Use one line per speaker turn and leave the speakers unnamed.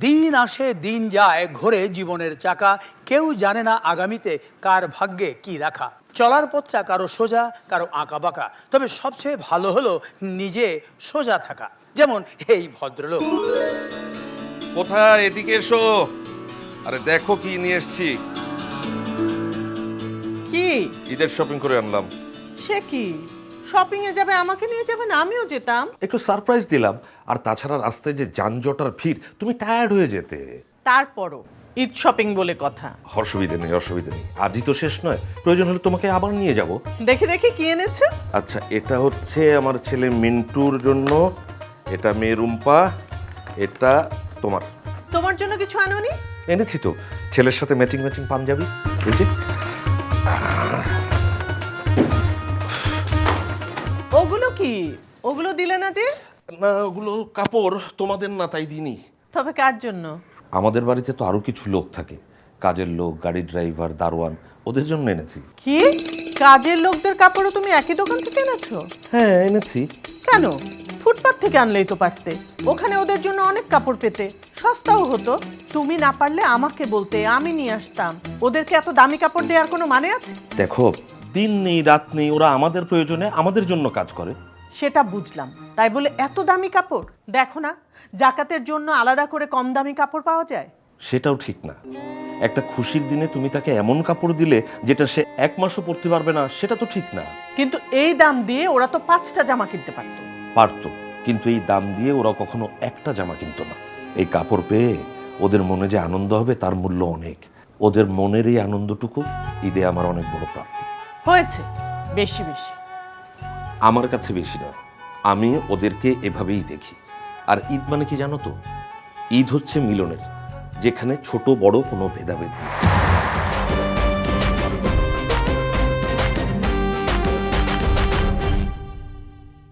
দিন আসে দিন যায়, ঘোরে জীবনের চাকা, কেউ জানে না আগামীতে কার ভাগ্যে কি রাখা। চলার পথটা কারো সোজা, কারো আঁকা বাঁকা, তবে সবচেয়ে ভালো হলো নিজে সোজা থাকা, যেমন এই ভদ্রলোক।
কোথায়? এদিকে এসো। আরে দেখো কি নিয়ে এসেছি।
কি?
ঈদের শপিং করে আনলাম।
সে কি? শপিং এ যাবে, আমাকে নিয়ে যাবেন? আমিও যেতাম।
একটু সারপ্রাইজ দিলাম। আর তাছাড়া রাস্তায় যে যানজট আর ভিড়, তুমি টায়ার্ড হয়ে যেতে।
তারপরও ঈদ শপিং বলে কথা।
অসুবিধে নেই, অসুবিধে নেই। আজই তো শেষ নয়, প্রয়োজন হলে তোমাকে আবার নিয়ে যাব।
দেখি দেখি কি এনেছো।
আচ্ছা, এটা হচ্ছে আমার ছেলে মিন্টুর জন্য, এটা মেয়ে রুম্পা, এটা তোমার।
তোমার জন্য কিছু আনোনি?
এনেছি তো, ছেলের সাথে ম্যাচিং ম্যাচিং পাঞ্জাবি। এই যে।
ওগুলো কি? ওগুলো দিলে না যে?
না, ওগুলো কাপড়, তোমাদের না, তাই দিইনি।
তবে কার জন্য?
আমাদের বাড়িতে তো আরো কিছু লোক থাকে, কাজের লোক, গাড়ির ড্রাইভার, দারোয়ান, ওদের জন্য এনেছি।
কি? কাজের লোকদের কাপড়ও তুমি একই দোকান থেকে এনেছো?
হ্যাঁ, এনেছি।
কেন? ফুটপাত থেকে আনলেই তো পারতে। ওখানে ওদের জন্য অনেক কাপড় পেতে, সস্তাও হতো। তুমি না পারলে আমাকে বলতে, আমি নিয়ে আসতাম। ওদেরকে এত দামি কাপড় দেওয়ার কোনো মানে আছে?
দেখো, দিন নেই রাত নেই, ওরা আমাদের প্রয়োজনে আমাদের জন্য কাজ করে।
সেটা বুঝলাম, তাই বলে এত দামি কাপড়? দেখো না, জাকাতের জন্য আলাদা করে কম দামি কাপড় পাওয়া যায়।
সেটাও ঠিক না। একটা খুশির দিনে তুমি তাকে এমন কাপড় দিলে যেটা সে এক মাসও পরতে পারবে না, সেটা তো ঠিক না।
কিন্তু এই দাম দিয়ে ওরা তো 5টা জামা কিনতে পারতো।
পারতো, কিন্তু এই দাম দিয়ে ওরা কখনো একটা জামা কিনতো না। এই কাপড় পেয়ে ওদের মনে যে আনন্দ হবে তার মূল্য অনেক। ওদের মনের এই আনন্দটুকু ঈদে আমার অনেক বড় প্রাপ্তি।
হয়েছে, বেশি বেশি।
আমার কাছে বেশি না, আমি ওদেরকে এভাবেই দেখি। আর ঈদ মানে কি জানো তো? ঈদ হচ্ছে মিলনের, যেখানে ছোট বড় কোনো ভেদাভেদ নেই।